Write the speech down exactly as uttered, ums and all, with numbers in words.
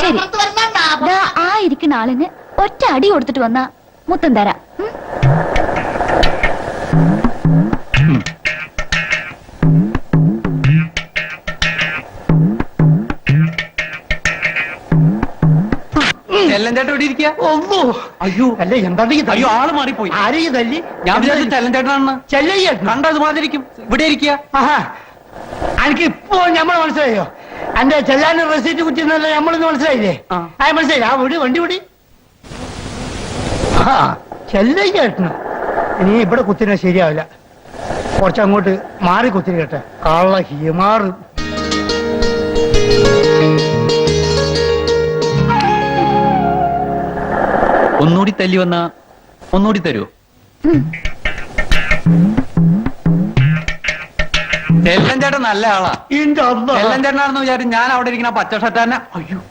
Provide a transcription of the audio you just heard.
ശരി, ദാ ആ ഇരിക്കുന്ന ആളിന് ഒറ്റ അടി കൊടുത്തിട്ട് വന്ന മുത്തം തരാം. ചെല്ലഞ്ചേട്ടൻ ഇവിടെ ഇരിക്കുക. ഒന്നോ അയ്യോ അല്ല എന്താണ് അയ്യോ ആള് മാറിപ്പോയി. ആരെയും തല്ലി? ഞാൻ വിചാരിച്ചു ചെല്ലഞ്ചേട്ടനാണെന്ന്. ചെല്ലയ്യേട്ടൻ കണ്ടത് മാതിരിക്കും. ഇവിടെ ഇരിക്കുക. ആഹാ, എനിക്ക് ഇപ്പോ ഞമ്മളെ മനസ്സിലായോ? എന്റെ ചെല്ലാൻ റെസീറ്റ് കുറ്റിന്നല്ല നമ്മളിന്ന് മനസ്സിലായില്ലേ? ആ. ആ മനസ്സിലായി. ആ വിടി വണ്ടി വിടി. ആ ചെല്ലയ്യേട്ടന് ഇനി ഇവിടെ കുത്തിനെ ശരിയാവില്ല. കുറച്ചങ്ങോട്ട് മാറി കുത്തിരി കേട്ടെ. കള്ള ഹിമാറ്. ഒന്നുകൂടി തല്ലി വന്ന ഒന്നുകൂടി തരുമോ? ചെല്ലഞ്ചേട്ടൻ നല്ല ആളാ. ഇന്റെ അമ്മ. ചെല്ലഞ്ചേട്ടനാണെന്ന് വിചാരിച്ചു ഞാൻ അവിടെ ഇരിക്കുന്ന പച്ച ഷർട്ട് തന്നെ. അയ്യോ